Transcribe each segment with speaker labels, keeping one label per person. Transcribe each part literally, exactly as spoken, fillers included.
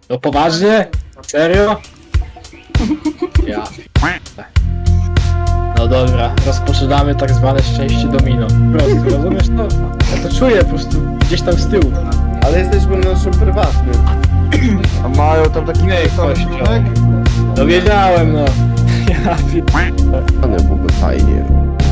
Speaker 1: No poważnie? Serio? Ja. No dobra, rozpoczynamy tak zwane szczęście domino. Prosto, rozumiesz to? Ja to czuję po prostu gdzieś tam z tyłu.
Speaker 2: Ale jesteśmy na naszym prywatnym.
Speaker 3: A mają tam taki
Speaker 1: Nie, kościół. No wiedziałem, no. Ja pierdolę.
Speaker 2: Ale byłoby fajnie.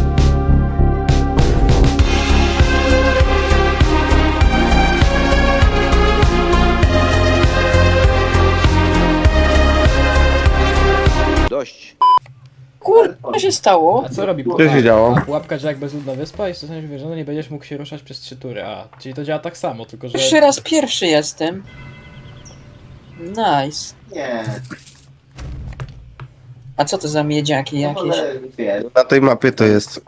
Speaker 3: Dość.
Speaker 4: Kur... co się stało?
Speaker 1: A co robi
Speaker 2: Co
Speaker 1: pułapka?
Speaker 2: się działo?
Speaker 1: Pułapka, że jak bezludna wyspa i zostaniesz wierzony, nie będziesz mógł się ruszać przez trzy tury. A, czyli to działa tak samo, tylko że...
Speaker 4: Pierwszy raz pierwszy jestem. Nice.
Speaker 5: Nie,
Speaker 4: A co to za miedziaki jakieś?
Speaker 5: ale wiesz,
Speaker 2: Na tej mapie to jest.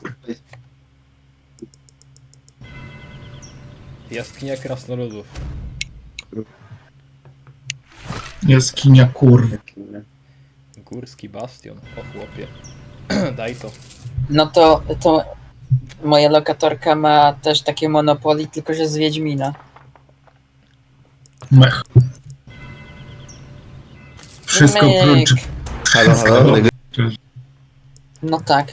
Speaker 1: Jaskinia krasnoludów.
Speaker 6: Jaskinia kurw.
Speaker 1: Górski bastion. O chłopie. Daj to.
Speaker 4: No to, to moja lokatorka ma też takie Monopoly, tylko że z Wiedźmina.
Speaker 6: Mech. Wszystko
Speaker 4: Myk.
Speaker 6: prócz...
Speaker 2: Halo, halo.
Speaker 4: No tak.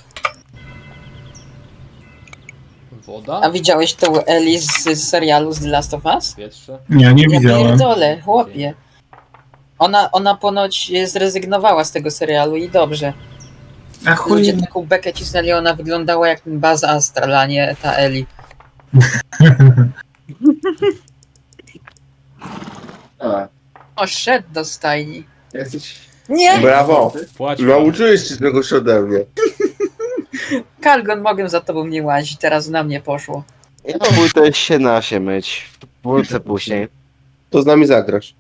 Speaker 1: Woda?
Speaker 4: A widziałeś tą Ellie z, z serialu z The Last of Us?
Speaker 1: Powietrze?
Speaker 6: Nie, nie
Speaker 4: Ja
Speaker 6: widziałem.
Speaker 4: pierdolę, chłopie. Ona, ona ponoć zrezygnowała z tego serialu i dobrze.
Speaker 6: A chuj.
Speaker 4: Ludzie taką bekę cisnęli, ona wyglądała jak ten Buzz Astral, a nie ta Ellie.
Speaker 5: a,
Speaker 4: O, szedł do stajni.
Speaker 5: jesteś...
Speaker 4: Nie!
Speaker 2: Brawo.
Speaker 1: Płać.
Speaker 2: Nauczyłeś się czegoś ode mnie.
Speaker 4: Kalgon, mogę za tobą nie łazić, teraz na mnie poszło.
Speaker 3: Ja pójdę się na się myć. Wrócę później.
Speaker 2: To z nami zagrasz.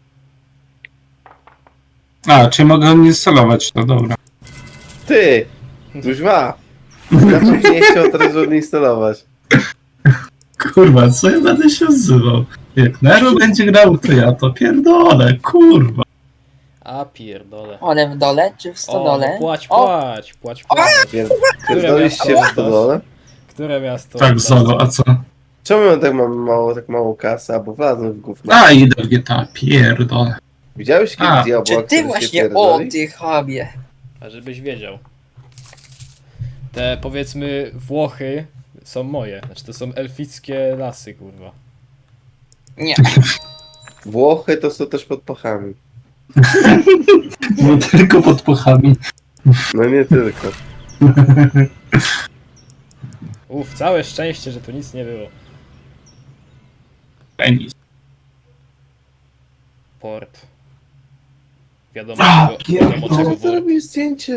Speaker 6: A, czy mogę instalować to, dobra.
Speaker 2: Ty! Kuźwa! Dlaczego nie chciał teraz odinstalować?
Speaker 6: Kurwa, co ja będę się odzywał? Jak Nero będzie grał, to ja to pierdolę, kurwa.
Speaker 1: A pierdole.
Speaker 4: One w dole czy w
Speaker 1: O,
Speaker 4: stodole?
Speaker 1: no płać,
Speaker 4: O,
Speaker 1: płać, płać, płać.
Speaker 2: Pierdoliście w stodole?
Speaker 1: Które miasto?
Speaker 6: Tak, Zolo, a co?
Speaker 2: Czemu ja tak mam mało, tak mało kasy, albo wlazłem w gówno?
Speaker 6: A, idę w G T A, pierdolę.
Speaker 2: Widziałeś
Speaker 6: A,
Speaker 2: kiedy diabła,
Speaker 4: czy ty
Speaker 2: który się
Speaker 4: właśnie, o
Speaker 2: pierdoli?
Speaker 4: ty chabie.
Speaker 1: A żebyś wiedział. Te powiedzmy Włochy są moje. Znaczy to są elfickie lasy, kurwa.
Speaker 4: Nie,
Speaker 2: Włochy to są też pod pachami.
Speaker 6: Nie tylko pod puchami.
Speaker 2: No nie tylko.
Speaker 1: Uff, całe szczęście, że tu nic nie było.
Speaker 6: Penis.
Speaker 1: Port. Wiadomo
Speaker 6: A,
Speaker 1: czego, wiadomo
Speaker 6: pierdolę.
Speaker 1: czego
Speaker 2: Co
Speaker 1: wór.
Speaker 2: robisz zdjęcie?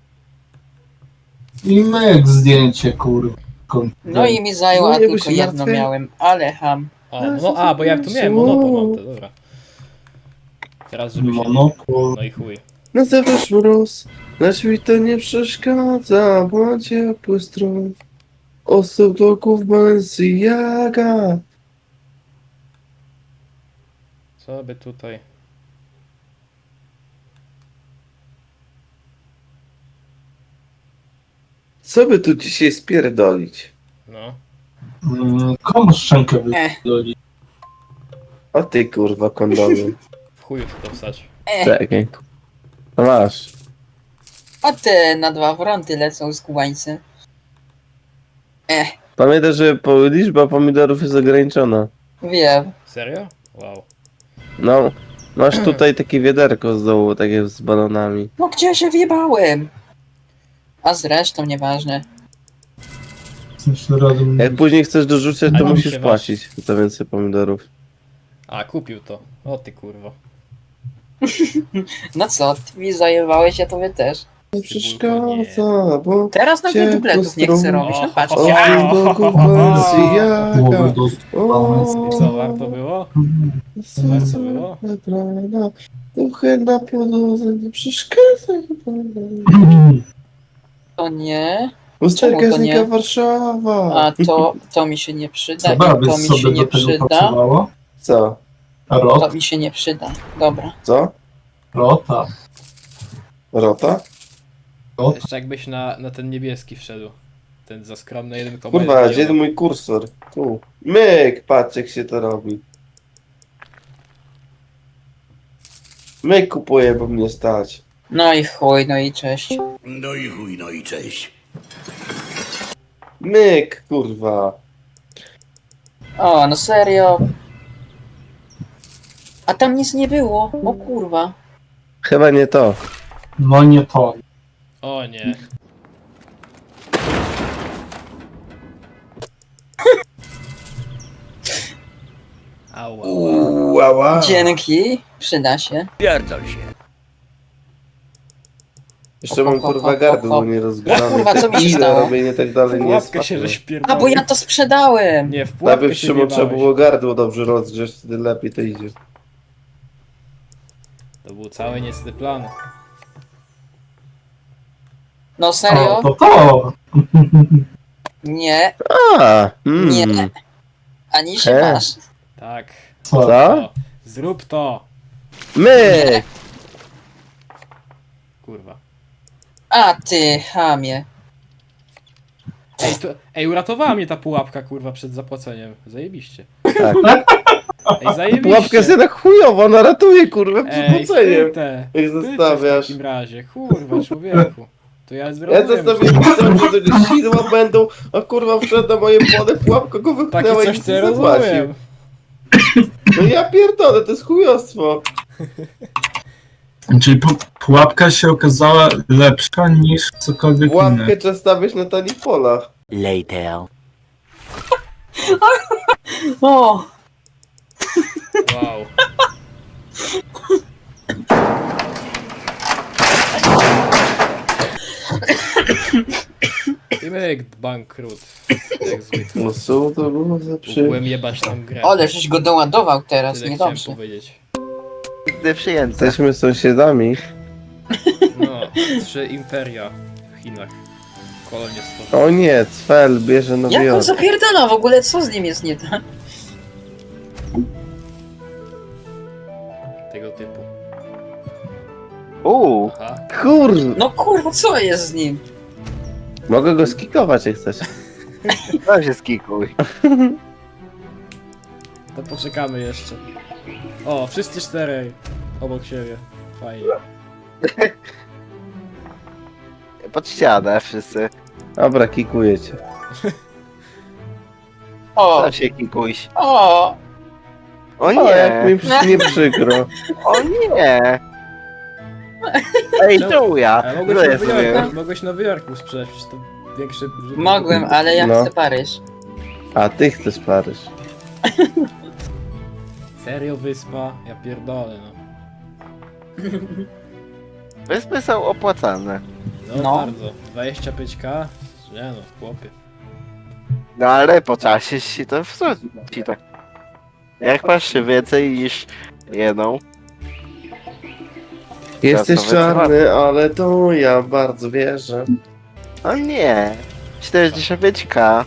Speaker 6: I myk zdjęcie, kurwa.
Speaker 4: no i mi zajęło, a
Speaker 2: No nie
Speaker 4: tylko
Speaker 2: byś
Speaker 4: jedno
Speaker 2: martwy?
Speaker 4: miałem, ale ham.
Speaker 1: O, no a, bo ja tu miałem monopol, mam to, dobra. Teraz żeby się...
Speaker 6: Monopol.
Speaker 1: No i chuj.
Speaker 2: Na zewnątrz mróz, lecz mi to nie przeszkadza, bo ma ciepły strój. Osób bloków Balenciaga.
Speaker 1: Co by tutaj...
Speaker 2: Co by tu dzisiaj spierdolić?
Speaker 1: No.
Speaker 6: Mm, Komu szczękę
Speaker 4: Eh,
Speaker 6: wydoli?
Speaker 2: O ty kurwa kondomy.
Speaker 1: W chuju się to wstać.
Speaker 4: eh.
Speaker 2: Czekaj. No masz.
Speaker 4: A te na dwa fronty lecą z kubańcem. Eh,
Speaker 2: Pamiętaj, że po, liczba pomidorów jest ograniczona.
Speaker 4: wiem.
Speaker 1: Serio? Wow.
Speaker 2: No, masz tutaj takie wiaderko z dołu, takie z balonami.
Speaker 4: No gdzie się wjebałem? A zresztą nieważne.
Speaker 6: Jeszcze razem...
Speaker 2: Jak później chcesz dorzucać, to
Speaker 1: Ale mi
Speaker 2: musisz
Speaker 1: się
Speaker 2: płacić za więcej pomidorów.
Speaker 1: A, kupił to. O ty kurwa.
Speaker 4: No co, ty mi zajebałeś, ja tobie też.
Speaker 2: Nie przeszkadza, bo...
Speaker 4: Teraz nawet
Speaker 2: Ciepło
Speaker 4: dupletów nie chcę
Speaker 2: stron.
Speaker 4: robić, no patrz.
Speaker 1: O,
Speaker 4: Ja.
Speaker 2: Osób bloków
Speaker 6: Głowy
Speaker 2: Balenciaga.
Speaker 6: do...
Speaker 2: O,
Speaker 1: I co, warto było?
Speaker 2: serce
Speaker 1: było?
Speaker 2: wybrana, duchy na podłodze, nie przeszkadzaj.
Speaker 4: To nie.
Speaker 2: Usterka
Speaker 4: Czemu to
Speaker 2: znika
Speaker 4: nie?
Speaker 2: Warszawa.
Speaker 4: A to, to mi się nie przyda
Speaker 6: Co
Speaker 4: i
Speaker 6: baby
Speaker 4: to mi się
Speaker 6: sobie do
Speaker 4: nie
Speaker 6: tego
Speaker 4: przyda.
Speaker 6: pracowało?
Speaker 2: Co?
Speaker 6: Rot?
Speaker 4: To mi się nie przyda. Dobra.
Speaker 2: Co?
Speaker 6: Rota.
Speaker 2: Rota?
Speaker 6: Rot?
Speaker 1: Jeszcze jakbyś na, na ten niebieski wszedł. Ten za skromny jeden komentarz.
Speaker 2: Kurwa, gdzie jest mój kursor? Tu. Myk, patrz jak się to robi. My kupuję, bo mnie stać.
Speaker 4: No i chuj, no i cześć.
Speaker 7: No i chuj, no i cześć.
Speaker 2: Myk, kurwa.
Speaker 4: O, no serio. A tam nic nie było. O kurwa.
Speaker 2: Chyba nie to.
Speaker 6: No nie to.
Speaker 1: O nie. Ała.
Speaker 2: Uała.
Speaker 4: Dzięki. Przyda się.
Speaker 7: Pierdol się.
Speaker 2: Jeszcze mam kurwa gardło nie rozgrzane.
Speaker 4: O kurwa, co mi się
Speaker 2: Ile
Speaker 4: stało?
Speaker 2: robienie tak dalej
Speaker 1: W
Speaker 2: nie jest
Speaker 1: pułapkę się
Speaker 2: fajne.
Speaker 1: żeś
Speaker 4: A,
Speaker 1: pierdolił.
Speaker 4: bo ja to sprzedałem.
Speaker 1: Nie, w pułapkę
Speaker 2: Najpierw
Speaker 1: się
Speaker 2: Szymon trzeba
Speaker 1: wjebałeś.
Speaker 2: było gardło dobrze rozgrzeć, wtedy lepiej to idzie.
Speaker 1: To był cały niecny plan.
Speaker 4: No
Speaker 6: O,
Speaker 4: serio?
Speaker 6: to to!
Speaker 4: Nie,
Speaker 2: A, mm.
Speaker 4: nie. Ani się
Speaker 2: He.
Speaker 4: masz.
Speaker 1: Tak.
Speaker 6: Co?
Speaker 2: Co?
Speaker 1: To. Zrób to.
Speaker 2: My!
Speaker 1: Kurwa.
Speaker 4: A ty, chamie.
Speaker 1: Ej, to, ej, uratowała mnie ta pułapka, kurwa, przed zapłaceniem. Zajebiście.
Speaker 2: Tak.
Speaker 1: Ej, zajebiście.
Speaker 2: Pułapka jest jednak chujowa, ona ratuje kurwa przed
Speaker 1: Ej,
Speaker 2: płaceniem.
Speaker 1: wpytę.
Speaker 2: Jak
Speaker 1: Wpytę
Speaker 2: zostawiasz.
Speaker 1: w takim razie. Kurwa, człowieku. To ja
Speaker 2: Ja
Speaker 1: zrobiłem.
Speaker 2: zostawiłem myślałem, że tego sidła będą, a kurwa wszedł na moje pole, pułapka go
Speaker 1: Takie
Speaker 2: wypchnęła i
Speaker 1: coś
Speaker 2: nic
Speaker 1: ty
Speaker 2: nie
Speaker 1: rozumiem.
Speaker 2: zapłacił. No ja pierdolę, to jest chujostwo.
Speaker 6: Czyli pu- pułapka się okazała lepsza niż cokolwiek inne.
Speaker 2: Pułapkę trzeba stawiać na tanich polach.
Speaker 7: Later.
Speaker 4: O,
Speaker 1: Wow. I myk, bankrut. Jak zwykle.
Speaker 2: No co to było za przy...
Speaker 1: Mógłbym jebać tą grę.
Speaker 4: ale żeś go doładował teraz,
Speaker 1: Tyle chciałem
Speaker 4: niedobrze.
Speaker 1: powiedzieć.
Speaker 3: Nigdy przyjęte.
Speaker 2: Jesteśmy sąsiadami.
Speaker 1: No, trzy imperia w Chinach. Kolonie stworzone.
Speaker 2: O nie, Cfel bierze Nowy
Speaker 4: Jak on
Speaker 2: Jork.
Speaker 4: zapierdala w ogóle, co z nim jest nie tak?
Speaker 1: Tego typu.
Speaker 3: Uuu,
Speaker 1: Aha.
Speaker 2: Kur...
Speaker 4: No kurwa, co jest z nim?
Speaker 2: Mogę go skikować jak chcesz.
Speaker 3: to się skikuj.
Speaker 1: To poczekamy jeszcze. O, wszyscy czterej. Obok siebie. Fajnie.
Speaker 3: Pod ścianę wszyscy.
Speaker 2: Dobra, kikuję cię.
Speaker 4: O,
Speaker 3: Tam się kikuj.
Speaker 4: o,
Speaker 3: O
Speaker 2: O, jak mi
Speaker 3: nie,
Speaker 2: przy- nie przykro.
Speaker 3: o nie. Ej, tu ja.
Speaker 1: Ale
Speaker 3: No
Speaker 1: mogłeś
Speaker 3: ja
Speaker 1: Nowy
Speaker 3: sobie.
Speaker 1: Jork, mogłeś Nowy Jork mu sprzedać, przecież to większy... rzut-
Speaker 4: mogłem, ale ja
Speaker 2: No.
Speaker 4: chcę Paryż.
Speaker 2: A ty chcesz Paryż.
Speaker 1: Serio wyspa? Ja pierdolę, no.
Speaker 3: Wyspy są opłacalne.
Speaker 1: No,
Speaker 4: No.
Speaker 1: bardzo. dwadzieścia pięć ka? Nie no, chłopie.
Speaker 3: No ale po czasie się to wsadzi tak. Jak masz więcej niż jedną,
Speaker 2: Jesteś
Speaker 3: to wycofam.
Speaker 2: czarny, ale to ja bardzo wierzę.
Speaker 3: o nie. czterdzieści pięć ka.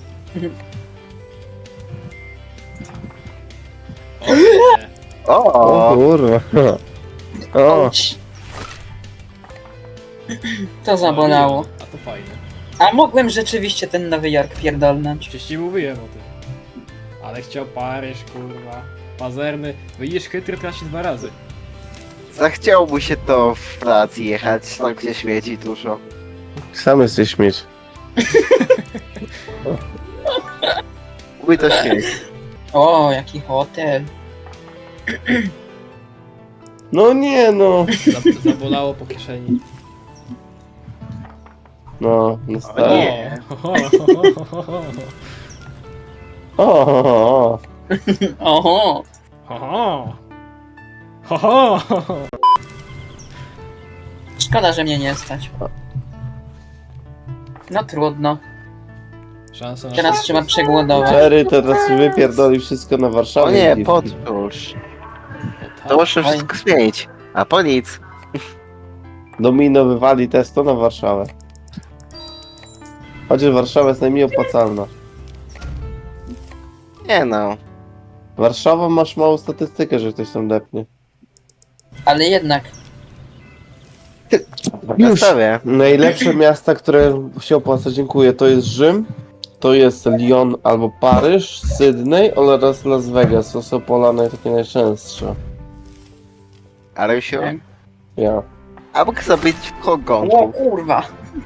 Speaker 1: O nie.
Speaker 2: O
Speaker 3: O,
Speaker 2: kurwa. O,
Speaker 4: Ouch. To zabolało.
Speaker 1: A to fajne.
Speaker 4: A mogłem rzeczywiście ten Nowy Jork pierdolnąć.
Speaker 1: Przecież ci mówiłem o tym. Ale chciał Paryż, kurwa. Pazerny. Widzisz, chytry traci dwa razy.
Speaker 3: zachciał mu się to w pracy jechać, tam gdzie śmieci dużo.
Speaker 2: sam jesteś śmieć.
Speaker 3: Mój to śmieć.
Speaker 4: O, jaki hotel.
Speaker 2: No nie no.
Speaker 1: Zab- zabolało po kieszeni.
Speaker 2: No, no
Speaker 3: O
Speaker 2: stary.
Speaker 3: nie.
Speaker 1: O,
Speaker 2: O, o, o.
Speaker 4: Oho.
Speaker 1: Ho, ho, ho, ho.
Speaker 4: Szkoda, że mnie nie stać. No trudno.
Speaker 1: Szansa na
Speaker 4: Teraz trzeba przegłodować.
Speaker 2: Jerry teraz wypierdoli wszystko na Warszawę.
Speaker 3: O nie,
Speaker 2: i-
Speaker 3: podróż.
Speaker 1: tak.
Speaker 3: To muszę wszystko zmienić. A po nic.
Speaker 2: Domino wywali testo na Warszawę. Chociaż Warszawa jest najmniej opłacalna.
Speaker 3: Nie no.
Speaker 2: Warszawa masz małą statystykę, że ktoś tam depnie.
Speaker 4: Ale jednak.
Speaker 2: Już.
Speaker 3: Zostawię.
Speaker 2: Najlepsze miasta, które się opłaca, dziękuję, to jest Rzym, to jest Lyon albo Paryż, Sydney oraz Las Vegas. To są pola naj- takie najczęstsze.
Speaker 3: Arysiu?
Speaker 4: Tak.
Speaker 2: Ja.
Speaker 3: A mógł zabić w
Speaker 4: O
Speaker 3: kogonku.
Speaker 4: kurwa.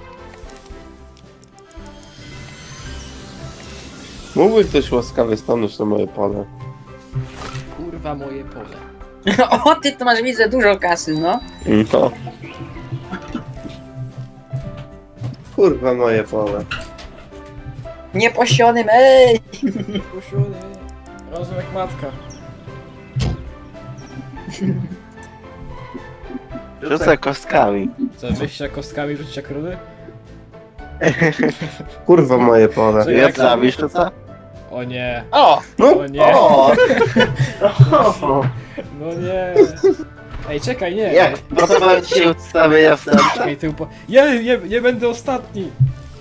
Speaker 2: Mógłby ktoś łaskawie stanąć na moje pole.
Speaker 1: Kurwa moje pole.
Speaker 4: O, ty to masz, widzę, dużo kasy, no.
Speaker 2: No. Kurwa moje pole.
Speaker 4: Nieposionym, ej!
Speaker 1: Kusiony. Rozum jak matka.
Speaker 3: Rzucę kostkami.
Speaker 1: Co, wyjścia kostkami rzucić jak rudy?
Speaker 2: Kurwa moje pole.
Speaker 1: Czekaj,
Speaker 3: Jak
Speaker 1: jak
Speaker 3: zabisz, to co?
Speaker 1: O nie.
Speaker 4: O!
Speaker 2: No.
Speaker 1: O nie.
Speaker 3: O!
Speaker 1: No nie. Ej, czekaj, nie.
Speaker 3: Jak podoba ci się ustawienia w sercu?
Speaker 1: Czekaj, ty upo... Nie, nie, nie będę ostatni.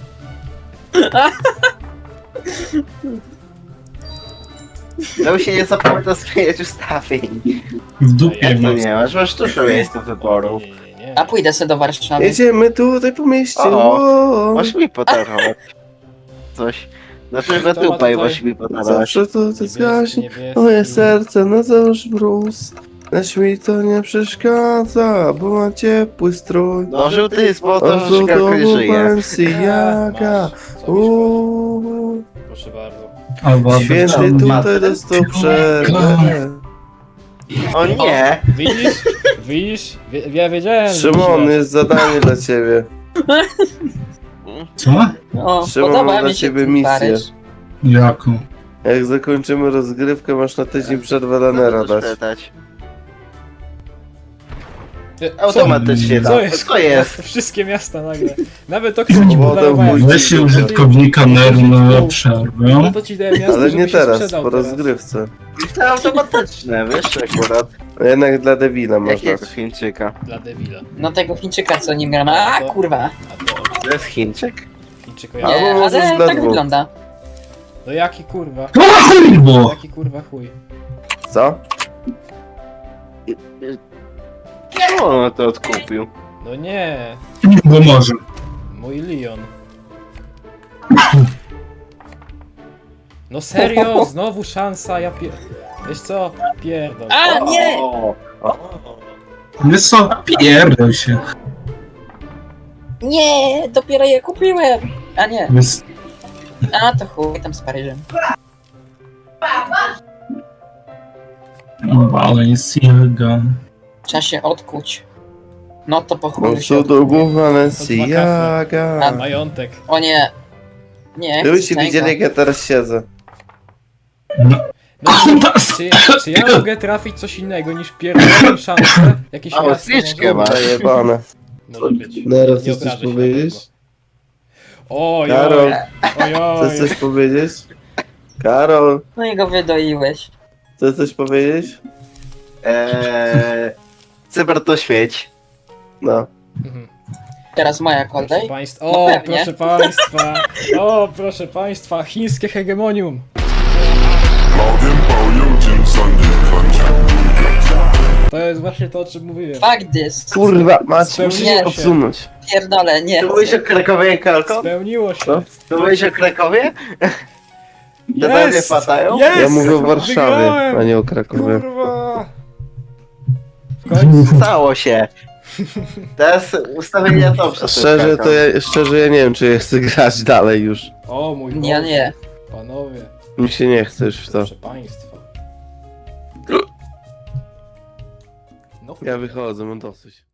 Speaker 3: No się nie zapomina zmieniać ustawień.
Speaker 6: W dupie
Speaker 3: Jak to
Speaker 6: mam.
Speaker 3: nie masz? Masz dużo miejsc do wyboru.
Speaker 1: Nie, nie, nie.
Speaker 4: A pójdę sobie do Warszawy.
Speaker 2: Jedziemy tutaj po mieście.
Speaker 3: O,
Speaker 2: O,
Speaker 3: Możesz mi podarować coś. Znaczy na
Speaker 1: To ma
Speaker 3: dupę i
Speaker 1: tutaj-
Speaker 3: możesz mi podarować.
Speaker 2: zawsze to ty
Speaker 1: Niebieski,
Speaker 2: zgaśnie.
Speaker 1: niebieski.
Speaker 2: Moje serce na zawsze brus. Lecz mi to nie przeszkadza, bo ma ciepły strój.
Speaker 3: No żółty jest po to,
Speaker 2: O,
Speaker 3: że
Speaker 2: to
Speaker 3: szkałkę żyje.
Speaker 2: Balenciaga.
Speaker 1: Masz, co byś
Speaker 2: Uuu.
Speaker 1: Proszę bardzo.
Speaker 6: Albo
Speaker 2: Święty tutaj dostał przerwę.
Speaker 3: O nie!
Speaker 1: Widzisz? Widzisz? Wie, ja wiedziałem, że
Speaker 2: Szymon,
Speaker 1: źle.
Speaker 2: jest zadanie dla ciebie.
Speaker 6: Co?
Speaker 4: O,
Speaker 2: Szymon,
Speaker 4: podoba
Speaker 2: mam dla
Speaker 4: mi się
Speaker 2: ciebie
Speaker 4: ten
Speaker 2: misję.
Speaker 4: Paryż.
Speaker 6: Jaką?
Speaker 2: Jak zakończymy rozgrywkę, masz na tydzień przerwę lanera dać.
Speaker 3: Spytać.
Speaker 1: Ty, Co,
Speaker 3: Automatycznie
Speaker 1: co
Speaker 3: tak.
Speaker 1: jest?
Speaker 3: Co jest?
Speaker 1: Wszystkie miasta nagle. Nawet to, które ci
Speaker 2: Wodę
Speaker 1: podarowałem.
Speaker 2: wójcie.
Speaker 6: Weź się użytkownika Neru na przerwę.
Speaker 1: No to ci dałem miasto,
Speaker 2: Ale
Speaker 1: żebyś
Speaker 2: nie
Speaker 1: się
Speaker 2: teraz,
Speaker 1: sprzedał
Speaker 2: po
Speaker 1: teraz.
Speaker 2: rozgrywce.
Speaker 3: To automatyczne, wiesz akurat.
Speaker 2: A jednak dla debila masz
Speaker 3: Jakiego
Speaker 2: dać.
Speaker 3: Chińczyka?
Speaker 1: Dla debila.
Speaker 4: No tego Chińczyka, co nim gram. A, kurwa.
Speaker 1: A to
Speaker 3: To jest Chińczyk?
Speaker 1: Chińczyko
Speaker 4: Nie,
Speaker 1: ja.
Speaker 2: Albo możesz
Speaker 4: ale
Speaker 2: dla
Speaker 4: tak
Speaker 2: dwóch.
Speaker 4: wygląda.
Speaker 1: No jaki kurwa?
Speaker 6: O kurwo!
Speaker 1: Jaki kurwa chuj?
Speaker 2: Co?
Speaker 3: Czemu on to odkupił?
Speaker 1: No nie.
Speaker 6: Bo może.
Speaker 1: Mój Leon. No serio? Znowu szansa, ja pier... Wiesz co? Pierdol.
Speaker 4: A, nie!
Speaker 3: O, o.
Speaker 6: Wiesz co? Pierdol się.
Speaker 4: Nie, dopiero je kupiłem. A nie.
Speaker 6: Wiesz...
Speaker 4: A, to chuj, tam z Paryżem.
Speaker 6: Balenciaga.
Speaker 4: Trzeba się odkuć. No to po
Speaker 2: Bo
Speaker 4: chuju się
Speaker 2: cudowów
Speaker 4: odkuję.
Speaker 2: Balenciaga.
Speaker 1: Majątek.
Speaker 4: O nie. Nie,
Speaker 2: Gdybyście
Speaker 4: chcę
Speaker 2: widzieli,
Speaker 4: tego.
Speaker 2: jak ja teraz siedzę.
Speaker 1: No, czy, czy ja mogę trafić coś innego niż pierdolę szansę? Jakieś
Speaker 3: A,
Speaker 1: miasto
Speaker 3: zniżkę
Speaker 1: może?
Speaker 3: ma.
Speaker 2: Zajebane.
Speaker 1: Może być.
Speaker 2: Nero,
Speaker 1: Nie
Speaker 2: chcesz
Speaker 1: obrażę
Speaker 2: coś
Speaker 1: się na
Speaker 2: powiedzieć?
Speaker 1: Oj,
Speaker 2: Karol,
Speaker 1: oj, oj.
Speaker 2: chcesz coś powiedzieć? Karol,
Speaker 4: No i go wydoiłeś.
Speaker 2: chcesz coś powiedzieć?
Speaker 3: Eee, cyber to śmieć.
Speaker 2: No.
Speaker 1: Mhm.
Speaker 4: Teraz moja
Speaker 1: Proszę
Speaker 4: kolej.
Speaker 1: państwa,
Speaker 4: No
Speaker 1: o,
Speaker 4: pewnie.
Speaker 1: proszę państwa, o, proszę państwa, chińskie hegemonium. To jest właśnie to, o czym mówiłem.
Speaker 4: Fuck this.
Speaker 2: Kurwa, macie,
Speaker 1: Spełniło
Speaker 2: musisz
Speaker 1: się.
Speaker 2: odsunąć.
Speaker 4: Pierdolę, nie.
Speaker 3: Ty mówisz o Krakowie, Kalko?
Speaker 1: Spełniło się.
Speaker 2: Co?
Speaker 3: Ty mówisz o Krakowie? Te we mnie padają?
Speaker 1: Jest!
Speaker 2: Ja mówię o Warszawie,
Speaker 1: Wygrałem!
Speaker 2: a nie o Krakowie.
Speaker 1: Kurwa! W końcu.
Speaker 3: Stało się. Teraz ustawienia to przez
Speaker 2: Szczerze, to ja, szczerze ja nie wiem, czy ja chcę grać dalej już.
Speaker 1: O mój Boże.
Speaker 4: Ja nie.
Speaker 1: Panowie,
Speaker 2: Mi się nie chce już w to.
Speaker 1: proszę państwa. No
Speaker 2: Ja wychodzę, mam dosyć.